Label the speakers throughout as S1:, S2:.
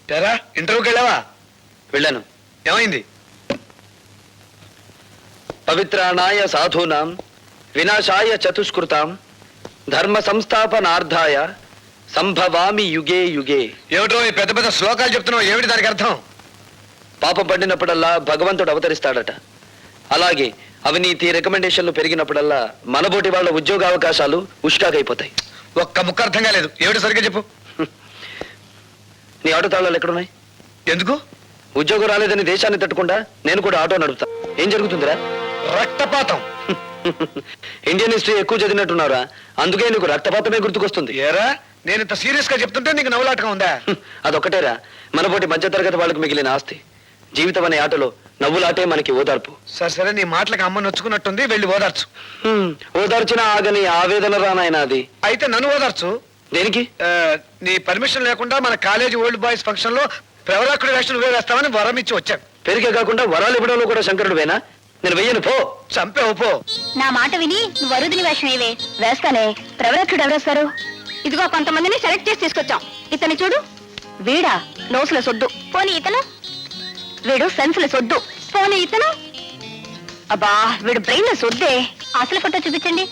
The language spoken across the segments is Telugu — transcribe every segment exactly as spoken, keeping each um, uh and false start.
S1: తెరా ఇంటర్వ్యూకి వెళ్ళావా?
S2: వెళ్ళాను.
S1: ఏమైంది?
S2: పవిత్రాణాయ సాధూనాం వినాశాయ చతుష్కృతాం ధర్మ సంస్థాపనార్థాయ సంభవామి యుగే యుగే.
S1: ఏమిటో ఈ పెద్ద పెద్ద శ్లోకాలు చెప్తున్నావు, ఏమిటి దానికి అర్థం?
S2: పాపం పడినప్పుడల్లా భగవంతుడు అవతరిస్తాడట. అలాగే అవినీతి రికమెండేషన్లు పెరిగినప్పుడల్లా మనబోటి వాళ్ళ ఉద్యోగ అవకాశాలు ఉష్కాగైపోతాయి.
S1: ఒక్క ముక్క అర్థం కాలేదు, ఏమిటి సరిగ్గా చెప్పు.
S2: నీ ఆటో తాళాలు ఎక్కడున్నాయి?
S1: ఎందుకు?
S2: ఉద్యోగం రాలేదని దేశాన్ని తట్టుకుండా నేను కూడా ఆటో నడుపుతా. ఏం జరుగుతుందిరా?
S1: రక్తపాతం.
S2: ఇండియన్ హిస్టరీ ఎక్కువ చదివినట్టున్నారా, అందుకే నీకు రక్తపాతమే గుర్తుకొస్తుంది.
S1: ఏరా నేను ఇంత సీరియస్ గా చెప్తుంటే నీకు నవ్వులాటగా ఉందా?
S2: అదొక్కటేరా మనబోటి మధ్యతరగతి వాళ్ళకి మిగిలిన ఆస్తి. జీవితం అనే ఆటలో నవ్వులాటే మనకి ఓదార్పు.
S1: సరే సరే, నీ మాటలకు అమ్మ నొచ్చుకున్నట్టుంది, వెళ్ళి ఓదార్చు.
S2: ఓదార్చిన ఆగని ఆవేదన రానాయన అది.
S1: అయితే నన్ను ఓదార్చు.
S2: దేనికి?
S1: నీ పర్మిషన్ లేకుండా మన కాలేజీ ఓల్డ్ బాయ్స్ ఫంక్షన్ లో ప్రవరాకుడి వేషం నువ్వే వేస్తామని వరం ఇచ్చి వచ్చాను.
S2: పెరిగే కాకుండా వరాలు ఇవ్వడంలో కూడా శంకరుడు వేనా? నేను వెయ్యను, పో.
S1: చంపేవు పో.
S3: నా మాట విని నువ్వు వరుదిని వేషం ఏవే వేస్తానే. ప్రవరక్షుడు ఎవరేస్తారు? ఇదిగో కొంతమందిని సెలెక్ట్ చేసి తీసుకొచ్చాం. ఇతని చూడు, వీడా నోసుల సొద్దు. పోనీ ఇతను, వీడు సెన్సుల సొద్దు. పోనీ ఇతను, అబ్బా వీడు బ్రెయిన్ సొద్దే. అసలు ఫోటో చూపించండి.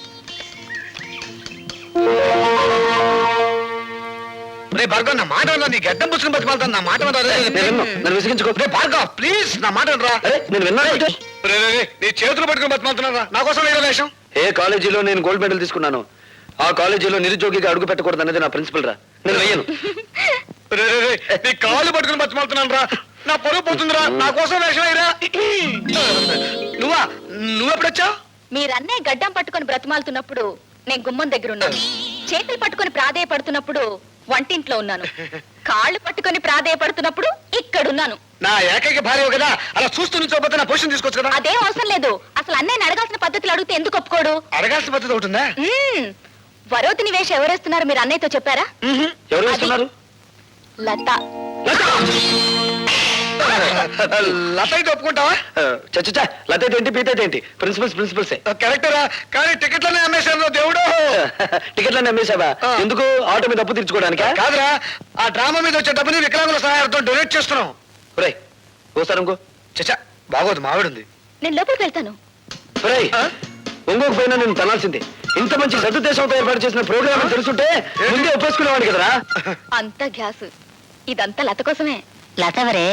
S1: రే భార్గవ్, నా మాట నీ గడ్డం పుచ్చుకుని బతిమాలతాను. నా మాట
S2: నన్ను విసిగించుకో.
S1: రే భార్గవ్ ప్లీజ్, నా మాట రా.
S2: నేను విన్నా.
S1: నీ చేతులు పట్టుకుని బతిమాలుతున్నారా? నా కోసం వేరే వేషం.
S2: ఏ కాలేజీలో నేను గోల్డ్ మెడల్ తీసుకున్నాను, ఆ కాలేజీలో నిరుద్యోగిగా అడుగు పెట్టకూడదు అనేది నా ప్రిన్సిపల్ రా. నేను వెయ్యను.
S1: నీ కాళ్ళు పట్టుకుని బతిమాలుతున్నాను రా. నా పొరుగు పోతుందిరా, నా కోసం వేషం అయ్యరా. నువ్వా? నువ్వెప్పుడొచ్చావు?
S3: మీరన్నే గడ్డం పట్టుకొని బ్రతిమాలుతున్నప్పుడు నేను గుమ్మం దగ్గర ఉన్నాను. చేతులు పట్టుకొని ప్రాధేయపడుతున్నప్పుడు వంటింట్లో ఉన్నాను. కాళ్ళు పట్టుకొని ప్రాధేయపడుతున్నప్పుడు ఇక్కడున్నాను.
S1: నా ఏకైక భార్య కదా, అలా చూస్తూ నుంచోపోతే నా పొజిషన్ తీసుకోవచ్చు కదా.
S3: అదేం అవసరం లేదు. అసలు అన్నయ్యని అడగాల్సిన పద్ధతులు అడిగితే ఎందుకు ఒప్పుకోడు?
S1: అడగాల్సిన పద్ధతి ఒకటి ఉందా?
S3: వరోతిని వేషం ఎవరేస్తున్నారు మీరు అన్నయ్యతో చెప్పారా?
S2: ఎవరు వేస్తున్నారు?
S3: లత.
S1: లత అయితే ఒప్పుకుంటావా?
S2: చచ్చా, లత అయితే ఏంటి, పీత అయితే ఏంటి, ప్రిన్సిపల్స్ ప్రిన్సిపల్సే.
S1: కరెక్టరా, కానీ టికెట్లనే అమ్మేశాను దేవుడు.
S2: టికెట్లన్నీ అమ్మేశావా? ఎందుకు? ఆటో మీద అప్పు తీర్చుకోవడానికా?
S1: కాదురా, ఆ డ్రామా మీద వచ్చే డబ్బుని వికలాంగుల సహాయంతో డొనేట్ చేస్తున్నాం.
S2: రే ఓసారి ఇంకో.
S1: చచ్చా బాగోదు, మావిడుంది.
S3: నేను లోపలికి వెళ్తాను.
S2: రే ఒంగోకు పోయినా నేను తనాల్సిందే. ఇంత మంచి సదుద్దేశంతో ఏర్పాటు చేసిన ప్రోగ్రామ్ తెలుసుంటే ముందే ఒప్పేసుకునేవాడిని కదరా.
S3: అంత గ్యాస్ ఇదంతా లత కోసమే. లత ఎవరే?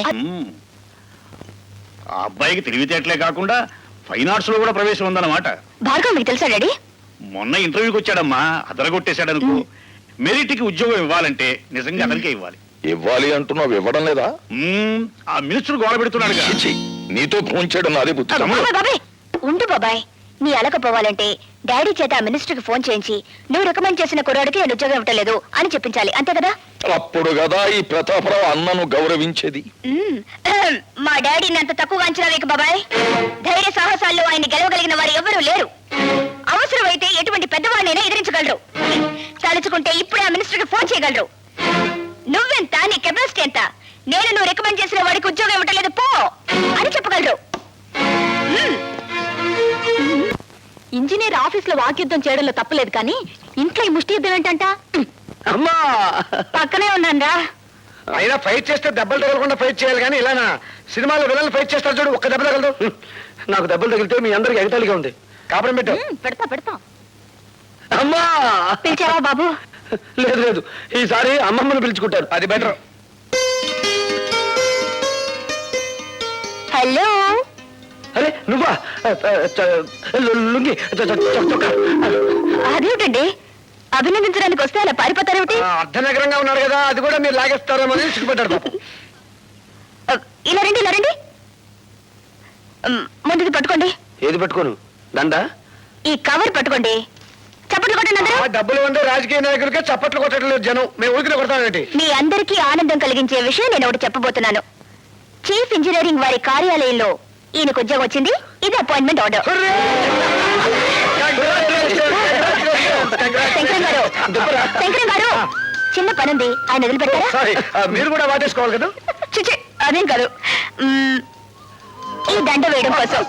S4: ఆ అబ్బాయికి తెలివితేటలే కాకుండా ఫైన్ ఆర్ట్స్ లో కూడా ప్రవేశం ఉందన్నమాట.
S3: భార్గవ్ మీకు తెలుసా డాడీ?
S4: మొన్న ఇంటర్వ్యూకి వచ్చాడమ్మా, అదరగొట్టేశాడనుకో. మెరిట్ కి ఉద్యోగం ఇవ్వాలంటే నిజంగా అతనికే ఇవ్వాలి.
S5: ఇవ్వాలి అంటున్నావు, ఇవ్వడం లేదా?
S4: ఆ మినిస్టర్ గోడ పెడుతున్నాడు.
S5: నీతో ఫోన్ చేయడం నాదే బుద్ధి.
S3: బాబాయ్ ఉండు బాబాయ్, నీ అలకపోవాలంటే డాడీ చేత ఆ మినిస్టర్ కి ఫోన్ చేయించి నువ్వు రికమెండ్ చేసిన కుర్రాడికి నేను ఉద్యోగం ఇవ్వట్లేదు అని చెప్పించాలి, అంతే కదా?
S5: అప్పుడు కదా ఈ ప్రతాపరావు అన్నను గౌరవించేది.
S3: మా డాడీని అంత తక్కువగా అంచనా వేయకు బాబాయ్. ధైర్య సాహసాల్లో ఆయన గెలవగలిగిన వారు ఎవరూ లేరు. అవసరమైతే ఎటువంటి పెద్దవాడినైనా ఎదిరించగలరు. తలుచుకుంటే ఇప్పుడే ఆ మినిస్టర్ కి ఫోన్ చేయగలరు. నువ్వెంత, నీ కెపాసిటీ ఎంత, నేను నువ్వు రికమెండ్ చేసిన వాడికి ఉద్యోగం ఇవ్వట్లేదు పో అని చెప్పగలరు. ఇంజనీర్ ఆఫీస్ లో వాక్యుద్ధం చేయడంలో తప్పలేదు, కానీ ఇంట్లో ఈ ముష్టి యుద్ధం ఏంటంట?
S2: అమ్మా
S3: పక్కనే ఉన్నానరా.
S1: అయినా ఫైట్ చేస్తే దెబ్బలు తగలకుండా ఫైట్ చేయాలి, కానీ ఇలానా సినిమాలో విలన్లు ఫైట్ చేస్తారు చూడు, ఒక్క దెబ్బ తగలదు.
S2: నాకు దెబ్బలు తగిలితే మీ అందరికి ఎగతాళిగా ఉంది.
S1: కాపురం పెట్టు.
S3: పెడతా పెడతా.
S2: అమ్మా
S3: పిలిచావా బాబు?
S2: లేదు లేదు, ఈసారి అమ్మమ్మను పిలుచుకుంటారు, అది బెటర్.
S3: హలో.
S2: అరే నువ్వా? లుంగి
S3: అదేమిటండి, అభినందించడానికి వస్తే అలా పారిపోతారేమిటి?
S1: అర్ధనగరంగా ఉన్నారు కదా, అది కూడా మీరు లాగేస్తారేమో అని సిగ్గుపడ్డారు.
S3: ఇలా రండి, ఇలా రండి. ముందుది పట్టుకోండి.
S2: ఏది పట్టుకోను? దండ?
S3: ఈ కవర్ పట్టుకోండి. చప్పట్లు కొట్టండి అందరూ.
S1: డబ్బులు ఉండే రాజకీయ నాయకులకే చప్పట్లు కొట్టట్లేదు జనం, మేము ఊరికి కొడతామేంటి?
S3: మీ అందరికీ ఆనందం కలిగించే విషయం నేను ఒకటి చెప్పబోతున్నాను. చీఫ్ ఇంజనీరింగ్ వారి కార్యాలయంలో ఈయనకు ఉద్యోగం వచ్చింది. ఇది అపాయింట్మెంట్ ఆర్డర్. శంకరం గారు, శంకరం గారు, చిన్న పనుంది, ఆయన వదిలిపెట్టారా?
S1: మీరు కూడా వాటేసుకోవాలి కదా.
S3: చిచి అదేం కాదు, ఈ దండ వేయడం కోసం.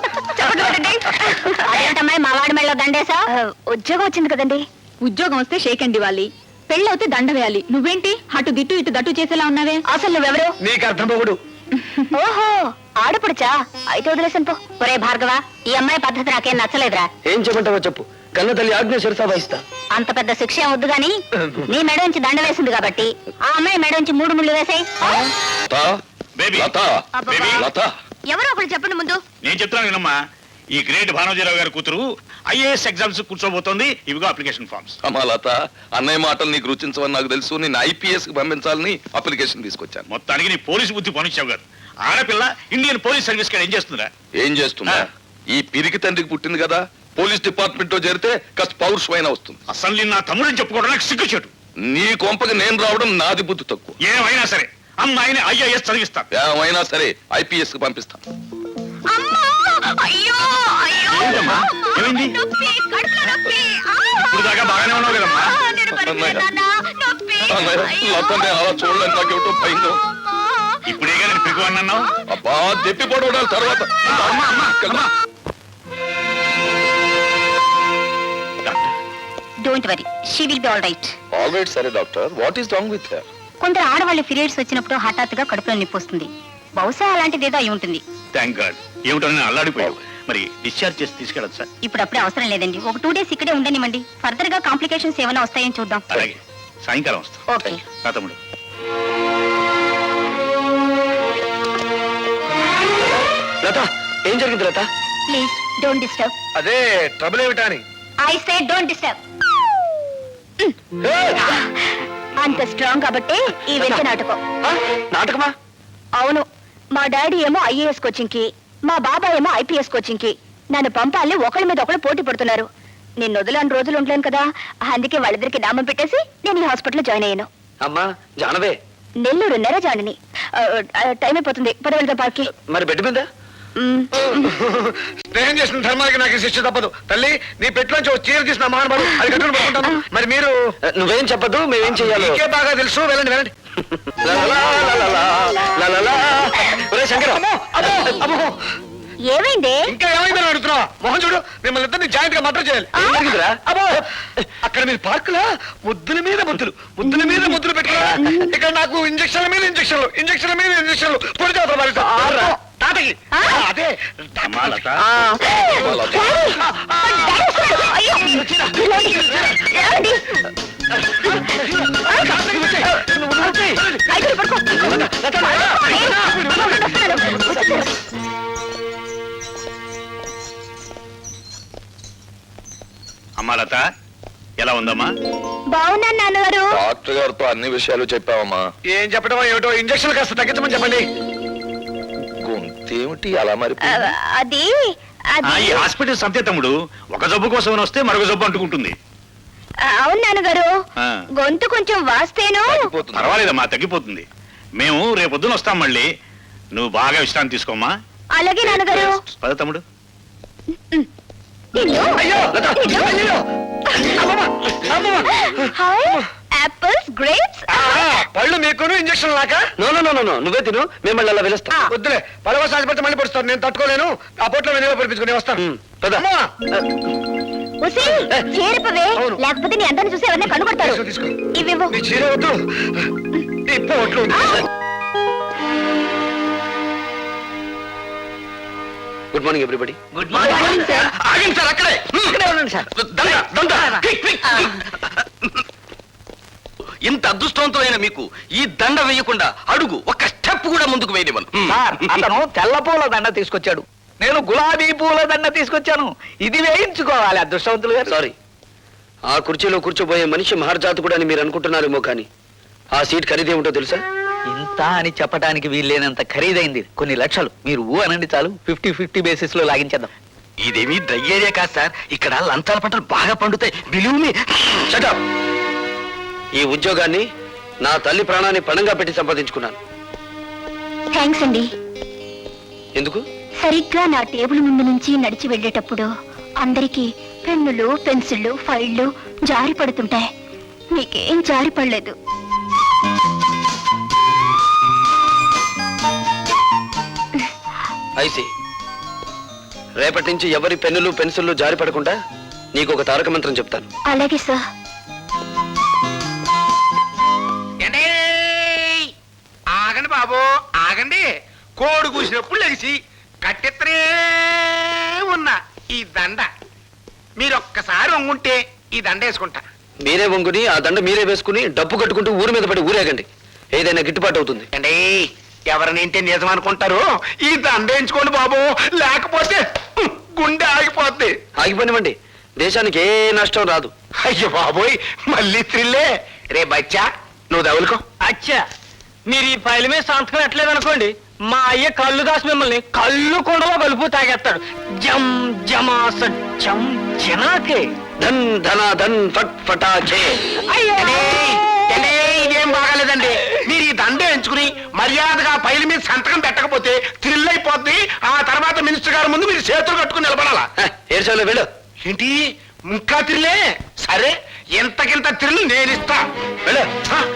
S3: అదేంటమ్మాయి మా వాడి మెళ్ళలో దండేసా? ఉద్యోగం వచ్చింది కదండి. ఉద్యోగం వస్తే షేక్ అండ్ ఇవ్వాలి, పెళ్ళవుతే దండ వేయాలి. నువ్వేంటి అటు దిట్టు ఇటు దట్టు చేసేలా ఉన్నావే? అసలు నువ్వెవరు?
S1: నీకు అర్థం పోగుడు.
S3: ఓహో, ఆడపడుచా? అయితే వదిలేసాను పో. ఒరే భార్గవ, ఈ అమ్మాయి పద్ధతి నాకేం నచ్చలేదురా.
S2: ఏం చెప్పంటావో చెప్పు, కన్న తల్లి ఆజ్ఞ శిరసా వహిస్తా.
S3: అంత పెద్ద శిక్ష ఏం వద్దు గాని నీ మెడ నుంచి దండ వేసింది కాబట్టి ఆ అమ్మాయి మెడ నుంచి మూడు ముళ్ళు వేసాయి.
S5: లత,
S4: బేబీ
S5: లత,
S3: అబ్బబ్బా.
S5: లత,
S3: ఎవరో ఒకరు చెప్పండి ముందు.
S4: నేను చెప్తున్నాను వినమ్మా, ఈ గ్రేట్ భానోజీరావు గారి కూతురు ఐఏఎస్ ఎగ్జామ్స్ కూర్చోబోతోంది. ఇవిగో అప్లికేషన్ ఫార్మ్స్.
S5: అమ్మా లత, అన్నయ్య మాటలు నీకు రుచించవని నాకు తెలుసు. నేను ఐపీఎస్ కి పంపించాలని అప్లికేషన్ తీసుకొచ్చాను.
S4: మొత్తానికి నీ పోలీసు బుద్ధి పనిచ్చావు గారు. ఆడపిల్ల ఇండియన్ పోలీస్ సర్వీస్ కాడ ఏం చేస్తుందా?
S5: ఏం చేస్తున్నా?
S4: ఆ.
S5: ఈ పిరికి తండ్రికి పుట్టింది కదా, పోలీస్ డిపార్ట్మెంట్ లో చేరితే కాస్త పౌరుషమైన వస్తుంది.
S4: అసలు నిన్న నా తమ్ముడని చెప్పుకోవడం నాకు సిగ్గుచేటు.
S5: నీ కొంపకి నేను రావడం నాది బుద్ధి తక్కువ.
S4: ఏమైనా సరే అమ్మాయిని ఐఏఎస్ చదివిస్తాను.
S5: ఏమైనా సరే ఐపీఎస్ కి పంపిస్తాను.
S3: అమ్మా! అయ్యో! అయ్యో!
S4: ఏంటమ్మా? ఏమైంది?
S3: నొప్పి, కడుపులో నొప్పి. ఆ!
S4: ఇప్పుడు దాకా బాగానే ఉన్నావు కదమ్మా.
S3: ఆ, నేను పడిపోయాను, నాన్న. నొప్పి.
S5: అన్నయ్య,
S3: అయ్యో!
S5: లతని అలా చూడలేక నాకేమిటో భయం.
S3: అమ్మా!
S4: ఇప్పుడేగా నేను పిరుగు అన్నావు.
S5: అబ్బా, దెప్పి పడవడాలి తర్వాత.
S4: అమ్మా, అమ్మా, అమ్మా.
S3: Don't worry, she will be all right.
S5: All right సరే doctor, what is wrong with her?
S3: కొందరు ఆడవాళ్ళ పీరియడ్స్ వచ్చినప్పుడు హఠాత్తుగా కడుపులో నొప్పి వస్తుంది. బహుశా అలాంటిదేదో అయి ఉంటుంది.
S4: Thank God. ఏమిటో నేను అల్లాడిపోయావు. మరి డిశ్చార్జ్ చేసి తీసుకెళ్ళచ్చు సార్?
S3: ఇప్పుడు అప్పుడే అవసరం లేదండి. ఒక టూ డేస్ ఇక్కడే ఉండనివ్వండి. ఫర్దర్ గా కాంప్లికేషన్స్ ఏమైనా వస్తాయని చూద్దాం.
S4: అలాగే, సాయంకాలం వస్తా.
S3: ఓకే.
S4: రా తమ్ముడు.
S2: లత, ఏం జరిగింది లత?
S3: Please don't disturb.
S1: అదే ట్రబుల్ ఏమిటా అని.
S3: I say don't disturb. అంత స్ట్రాంగ్ కాబట్టి ఈ వెంట నాటకం.
S2: ఆ, నాటకమా?
S3: అవును, మా డాడీ ఏమో ఐఏఎస్ కోచింగ్ కి, మా బాబాయ్ ఏమో ఐపీఎస్ కోచింగ్ కి నన్ను పంపాలని ఒకళ్ళ మీద ఒకళ్ళు పోటీ పడుతున్నారు. నేను వదిలేని రోజులు ఉండలేను కదా, అందుకే వాళ్ళిద్దరికి నామం పెట్టేసి నేను ఈ హాస్పిటల్లో జాయిన్ అయ్యాను.
S2: అమ్మా జానవే,
S3: నెల్లూరు నెర జాయిని. టైం అయిపోతుంది, పద వెళ్దాం పార్కి.
S2: మరి బెడ్ మీద?
S3: మ్,
S1: స్నేహం చేసిన ధర్మానికి నాకు ఈ శిక్ష తప్పదు. తల్లి, నీ పెట్టులోంచి ఒక చీర తీసిన మహానుభావుడు, అది కట్టుకుని పడుకుంటాను. మరి మీరు?
S2: నువ్వేం చెప్పదు, మేమేం చెయ్యాలి?
S1: నీకే బాగా తెలుసు, వెళ్ళండి వెళ్ళండి.
S2: ఒరే శంకర్,
S1: అమ్మో, అమ్మో, అమ్మో.
S3: ఏమైంది?
S1: ఇంకా ఏమైందని అడుగుతున్నావా? మొహం చూడు, మిమ్మల్ని ఇద్దరిని జాయింట్ గా మర్డర్ చేయాలి.
S2: ఏం జరిగిందిరా?
S1: అబ్బో, అక్కడ మీరు పార్కులా ముద్దుల మీద ముద్దులు, ముద్దుల మీద ముద్దులు పెట్టుకున్నారా? ఇక్కడ నాకు ఇంజక్షన్ల మీద ఇంజక్షన్లు, ఇంజక్షన్ల మీద ఇంజక్షన్లు, పొడి చేస్తారు మరి.
S2: ఆర్రా.
S1: తాతకి
S3: ఆ?
S1: అదే
S4: అమ్మా లత,
S3: ఆ.
S5: లత.
S3: డాడీ! ఆ, డాడీ వస్తున్నాడు. అయ్యో! ఏమండి? ఏమండి? అయితే పడుకో. వస్తున్నాడు.
S4: అమ్మా లత, ఎలా ఉందమ్మా?
S3: బాగున్నాను నాన్నగారు.
S5: డాక్టర్ గారితో అన్ని విషయాలు చెప్పావమ్మా.
S1: ఏం చెప్పడం ఏమిటో, ఇంజక్షన్ కాస్త తగ్గించమని చెప్పండి.
S5: గొంతేమిటి అలా మరి?
S3: ఆ, అది
S4: ఆ,
S3: అది
S4: ఈ హాస్పిటల్ సంతే తమ్ముడు, ఒక జబ్బు కోసం వస్తే మరొక జబ్బు అంటుకుంటుంది.
S3: అవును నాన్నగారు,
S4: ఆ.
S3: గొంతు కొంచెం వాస్తేను.
S5: తగ్గిపోతుందా?
S4: పర్వాలేదమ్మా, తగ్గిపోతుంది. మేము రేపొద్దున వస్తాం మళ్ళీ. నువ్వు బాగా విశ్రాంతి తీసుకోమ్మా.
S3: అలాగే నాన్నగారు.
S4: పద తమ్ముడు.
S3: నిన్ను-
S1: అయ్యో, లత,
S3: నిన్ను-
S1: అయ్యో. అమ్మమ్మ, అమ్మమ్మ.
S3: Hi, apples, grapes.
S1: ఆ, పళ్ళు మీకును ఇంజక్షన్ లాక
S2: నో నో నో నో నువ్వే తిను, మేము అలా పిలుస్తాం.
S3: ఆ.
S1: వద్దులే, పడవ సాధిపడితే మళ్ళీ పడుస్తాను. నేను తట్టుకోలేను. ఆ పొట్లో వెనుక పడిపించుకుని వస్తాను.
S2: ఉమ్, పద.
S1: అమ్మా,
S3: ఉసి, చేరిపోవే,
S1: అవును.
S3: లేకపోతే నీ అందరిని చూసి ఎవరిని కనుగొడతారు.
S1: తీసుకో, తీసుకో.
S3: ఇవివ్వు.
S1: నీ చీర వద్దు, ఈ పొట్లు వద్దు.
S2: Good morning everybody.
S3: Good morning sir.
S1: ఆగండి సార్, అక్కడే
S2: ఇక్కడే ఉండండి సార్.
S1: దండ, దండ. Quick, quick.
S6: ఇంత అదృష్టవంతులైన మీకు ఈ దండ వేయకుండా అడుగు ఒక స్టెప్ కూడా ముందుకు వేయనివ్వను.
S2: సార్, అతను తెల్ల పూల దండ తీసుకొచ్చాడు, నేను గులాబీ పూల దండ తీసుకొచ్చాను. ఇది వేయించుకోవాలి అదృష్టవంతులు గారు. సారీ, ఆ కుర్చీలో కూర్చోబోయే మనిషి మహర్జాతకుడు అని మీరు అనుకుంటున్నారేమో కానీ ఆ సీట్ ఖరీదేమిటో తెలుసా?
S7: ఇంత అని చెప్పడానికి వీల్లేనంత ఖరీదైంది. కొన్ని లక్షలు. మీరు ఊ అనండి చాలు, ఫిఫ్టీ ఫిఫ్టీ బేసిస్ లో లాగించేద్దాం.
S6: ఇదేమీ డ్రై ఏరియా కాదు సార్, ఇక్కడ లంచాల పంటలు బాగా పండుతాయి. Believe me.
S2: Shut up. ఈ ఉద్యోగాన్ని నా తల్లి ప్రాణాన్ని పణంగా పెట్టి సంపాదించుకున్నాను.
S3: థ్యాంక్స్ అండి.
S2: ఎందుకు?
S3: సరిగ్గా నా టేబుల్ ముందు నుంచి నడిచి వెళ్ళేటప్పుడు అందరికీ పెన్నులు, పెన్సిళ్ళు, ఫైళ్లు జారి పడుతుంటాయి. మీకేం జారి పడలేదు.
S2: ఐసి, రేపటి నుంచి ఎవరి పెన్నులు పెన్సిళ్ళు జారి పడకుండా నీకు ఒక తారక మంత్రం చెప్తాను.
S3: అలాగే సార్.
S8: బాబు ఆగండి. కోడి కూసినప్పుడు లెగిసి కట్టెత్తనే ఉన్న ఈ దండ మీరు ఒక్కసారి వంగుంటే ఈ దండ వేసుకుంటా.
S2: మీరే వంగుని ఆ దండ మీరే వేసుకుని డబ్బు కట్టుకుంటూ ఊరి మీద పడి ఊరేగండి, ఏదైనా గిట్టుబాటు అవుతుంది.
S8: అండి ఎవరినింటే నిజం అనుకుంటారు, ఈ దండ వేయించుకోండి బాబు, లేకపోతే హ్మ్, గుండె ఆగిపోద్ది.
S2: ఆగిపోనివ్వండి, దేశానికి ఏ నష్టం రాదు.
S8: అయ్యో బాబోయ్, మళ్ళీ త్రిల్లే. రే బచ్చా నువ్వు దవులుకో.
S1: అచ్చా మీరు ఈ ఫైల్ మీద సంతకం ఎట్లేదు అనుకోండి, మా అయ్య కళ్ళు దాసి మిమ్మల్ని కళ్ళు కుండలో కలుపు తాగేస్తాడు. జం జమాస జం జనాకే.
S2: ధన్ ధన ధన్ ఫట్ ఫటాచే.
S8: ఏండి, ఏండి, ఇదేం బాగాలేదండి. మీరు ఈ దండ ఎంచుకుని మర్యాదగా పైల మీద సంతకం పెట్టకపోతే థ్రిల్ అయిపోద్ది. ఆ తర్వాత మినిస్టర్ గారి ముందు మీరు చేతులు కట్టుకుని నిలబడాలా.
S2: ఏడ్చాలో వెళ్ళు.
S8: ఏంటి ఇంకా థ్రిల్లే? సరే ఎంతకింత థ్రిల్ నేను ఇస్తా.
S2: వెళ్ళు.
S8: హ?